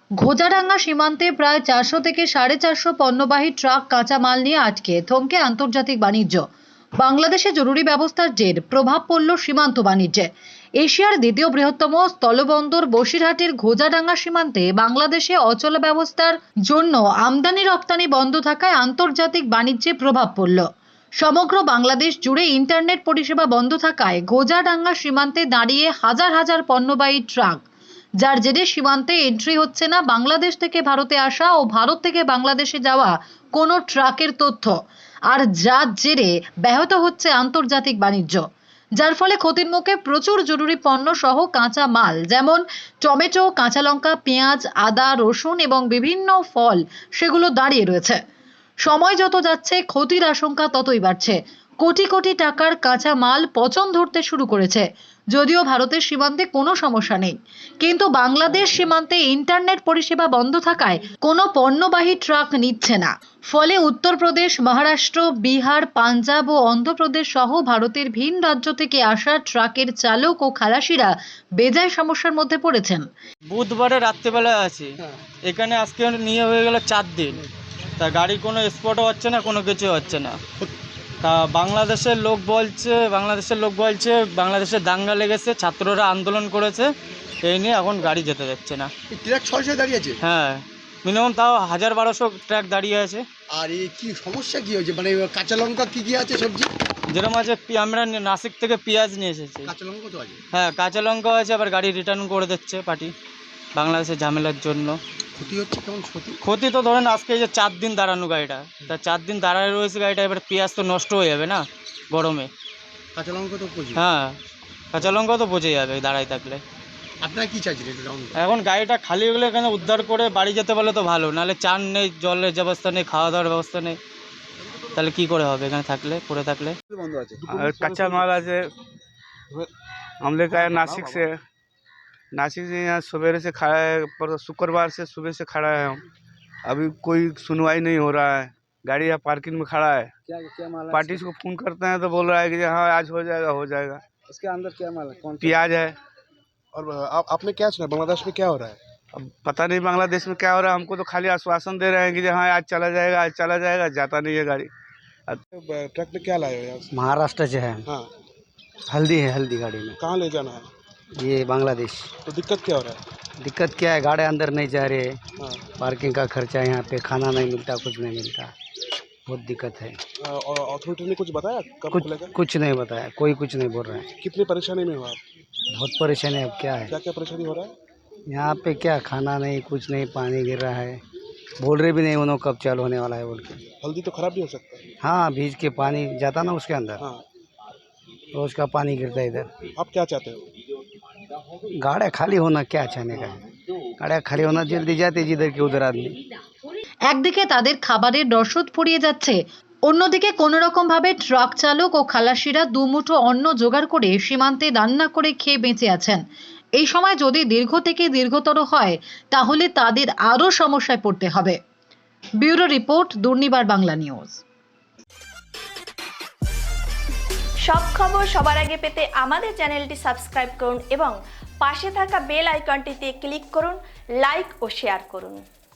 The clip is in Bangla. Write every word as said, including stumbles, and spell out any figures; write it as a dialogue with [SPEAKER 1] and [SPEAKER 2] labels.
[SPEAKER 1] ঘোজাডাঙ্গা সীমান্তে প্রায় চারশো থেকে সাড়ে চারশো পণ্যবাহী ট্রাক কাঁচা মাল নিয়ে আটকে থমকে আন্তর্জাতিক বাণিজ্য। বাংলাদেশে জরুরি ব্যবস্থার জের প্রভাব পড়ল সীমান্ত বাণিজ্যে। এশিয়ার দ্বিতীয় বৃহত্তম স্থলবন্দর বসিরহাটের ঘোজাডাঙ্গা সীমান্তে বাংলাদেশে অচল ব্যবস্থার জন্য আমদানি রপ্তানি বন্ধ থাকায় আন্তর্জাতিক বাণিজ্যে প্রভাব পড়ল। সমগ্র বাংলাদেশ জুড়ে ইন্টারনেট পরিষেবা বন্ধ থাকায় ঘোজাডাঙ্গা সীমান্তে দাঁড়িয়ে হাজার হাজার পণ্যবাহী ট্রাক, যার জেরে সীমান্তে এন্ট্রি হচ্ছে না বাংলাদেশ থেকে ভারতে আসা ও ভারত থেকে বাংলাদেশে যাওয়া কোনো ট্রাকের তথ্য, আর যার জেরে ব্যাহত হচ্ছে আন্তর্জাতিক বাণিজ্য, যার ফলে ক্ষতির মুখে প্রচুর জরুরি পণ্য সহ কাঁচা মাল যেমন টমেটো, কাঁচা লঙ্কা, পেঁয়াজ, আদা, রসুন এবং বিভিন্ন ফল সেগুলো দাঁড়িয়ে রয়েছে। সময় যত যাচ্ছে ক্ষতির আশঙ্কা ততই বাড়ছে। কোটি কোটি টাকার কাঁচা মাল পচন ধরতে শুরু করেছে। যদিও ভারতের সীমান্তে কোনো সমস্যা নেই, কিন্তু বাংলাদেশ সীমান্তে ইন্টারনেট পরিষেবা বন্ধ থাকায় কোনো পণ্যবাহী ট্রাক নিচ্ছে না। ফলে উত্তরপ্রদেশ, মহারাষ্ট্র, বিহার, পাঞ্জাব ও অন্ধ্রপ্রদেশ সহ ভারতের ভিন রাজ্য থেকে আসা ট্রাকের চালক ও খালাসিরা বেজায় সমস্যার মধ্যে পড়েছেন।
[SPEAKER 2] বুধবারে রাত্রেবেলায় আছি, এখানে আজকে নিয়ে হয়ে গেল চার দিন, তা গাড়ির কোনো স্পটও হচ্ছে না, কোনো কিছু হচ্ছে না। তা বাংলাদেশের লোক বলছে বাংলাদেশের লোক বলছে বাংলাদেশে দাঙ্গা লেগেছে, ছাত্ররা আন্দোলন করেছে, এই নিয়ে এখন গাড়ি যেতে যাচ্ছে না।
[SPEAKER 3] ট্রাক ছয়শো দাঁড়িয়ে আছে?
[SPEAKER 2] হ্যাঁ, মিনিমাম তাও হাজার বারোশো ট্রাক দাঁড়িয়ে আছে।
[SPEAKER 3] আর এই কি সমস্যা কি হয়েছে? মানে কাঁচা লঙ্কা কি কি আছে সবজি?
[SPEAKER 2] যেরকম আছে, আমরা নাসিক থেকে পেঁয়াজ নিয়ে এসেছি।
[SPEAKER 3] কাঁচা লঙ্কা তো আছে?
[SPEAKER 2] হ্যাঁ, কাঁচা লঙ্কা আছে, আবার গাড়ি রিটার্ন করে দিচ্ছে পার্টি বাংলাদেশের ঝামেলার জন্য।
[SPEAKER 3] ক্ষতি হচ্ছে কেমন ক্ষতি?
[SPEAKER 2] ক্ষতি তো ধরেন আজকে যে চার দিন দাঁড়ানো গাড়িটা, তা চার দিন দাঁড়ায় রয়েছে গাড়িটা, এবার পেঁয়াজ তো নষ্ট হয়ে যাবে না গরমে।
[SPEAKER 3] কাঁচা লঙ্কা তো পচে?
[SPEAKER 2] হ্যাঁ, কাঁচা লঙ্কা তো পচে যাবে দাঁড়ায় থাকলে।
[SPEAKER 3] আপনারা কি চাইছেন?
[SPEAKER 2] এখন গাড়িটা খালি হয়ে গেলে এখানে উদ্ধার করে বাড়ি যেতে পারলে তো ভালো, নাহলে চান নেই, জলের ব্যবস্থা নেই, খাওয়া দাওয়ার ব্যবস্থা নেই, তাহলে কি করে হবে এখানে থাকলে, পড়ে থাকলে।
[SPEAKER 4] कच्चा माल आज हम लेकर आए नासिक से नासिक से यहाँ सवेरे से खड़ा है, पर शुक्रवार से सुबह से खड़ा है हम। अभी कोई सुनवाई नहीं हो रहा है, गाड़ी यहाँ पार्किंग में खड़ा है।
[SPEAKER 5] क्या क्या माल है?
[SPEAKER 4] पार्टी को फ़ोन करते हैं तो बोल रहा है कि हाँ आज हो जाएगा हो जाएगा।
[SPEAKER 5] इसके अंदर क्या माल है? कौन सा?
[SPEAKER 4] प्याज है।
[SPEAKER 3] और आप आपने क्या सुना बांग्लादेश में क्या हो रहा है?
[SPEAKER 4] अब पता नहीं बांग्लादेश में क्या हो रहा है, हमको तो खाली आश्वासन दे रहे हैं कि हाँ आज चला जाएगा आज चला जाएगा, जाता नहीं है गाड़ी।
[SPEAKER 3] ट्रक में क्या लाए हो यहाँ से?
[SPEAKER 5] महाराष्ट्र से है।
[SPEAKER 3] हाँ,
[SPEAKER 5] हल्दी है, हल्दी गाड़ी में।
[SPEAKER 3] कहाँ ले जाना है?
[SPEAKER 5] ये बांग्लादेश।
[SPEAKER 3] तो दिक्कत क्या हो रहा है?
[SPEAKER 5] दिक्कत क्या है, गाड़ी अंदर नहीं जा रहे,
[SPEAKER 3] हाँ,
[SPEAKER 5] पार्किंग का खर्चा, यहाँ पे खाना नहीं मिलता, कुछ नहीं मिलता, बहुत दिक्कत है।
[SPEAKER 3] और अथॉरिटी ने कुछ बताया कब
[SPEAKER 5] कुछ
[SPEAKER 3] खुलेगा?
[SPEAKER 5] कुछ नहीं बताया, कोई कुछ नहीं बोल रहा है।
[SPEAKER 3] कितनी परेशानी में हो आप?
[SPEAKER 5] बहुत परेशानी है। अब क्या है,
[SPEAKER 3] क्या क्या परेशानी हो रहा है?
[SPEAKER 5] यहाँ पे क्या खाना नहीं, कुछ नहीं, पानी गिर रहा है, बोल रहे भी नहीं उन्होंने कब चालू होने वाला है बोल के।
[SPEAKER 3] हल्दी तो खराब भी हो सकता है।
[SPEAKER 5] हाँ, भीज के पानी जाता ना उसके अंदर,
[SPEAKER 3] हाँ,
[SPEAKER 5] रोज का पानी गिरता है इधर।
[SPEAKER 3] आप क्या चाहते हो?
[SPEAKER 5] गाड़ी खाली होना क्या चाहने का है, गाड़ी खाली होना, जल्दी जाते जिधर की उधर आदमी।
[SPEAKER 1] একদিকে তাদের খাবারের রসদ ফুরিয়ে যাচ্ছে, অন্যদিকে কোনো রকম ভাবে ট্রাক চালক ও খালাসিরা দুমুঠো অন্ন জোগাড় করে সীমান্তে রান্না করে খেয়ে বেঁচে আছেন। এই সময় যদি দীর্ঘ থেকে দীর্ঘতর হয় তাহলে তাদের আরও সমস্যায় পড়তে হবে। Bureau report, Durnibar Bangla news.
[SPEAKER 6] সব খবর সবার আগে পেতে আমাদের চ্যানেলটি সাবস্ক্রাইব করুন এবং পাশে থাকা বেল আইকনটিতে ক্লিক করুন, লাইক ও শেয়ার করুন।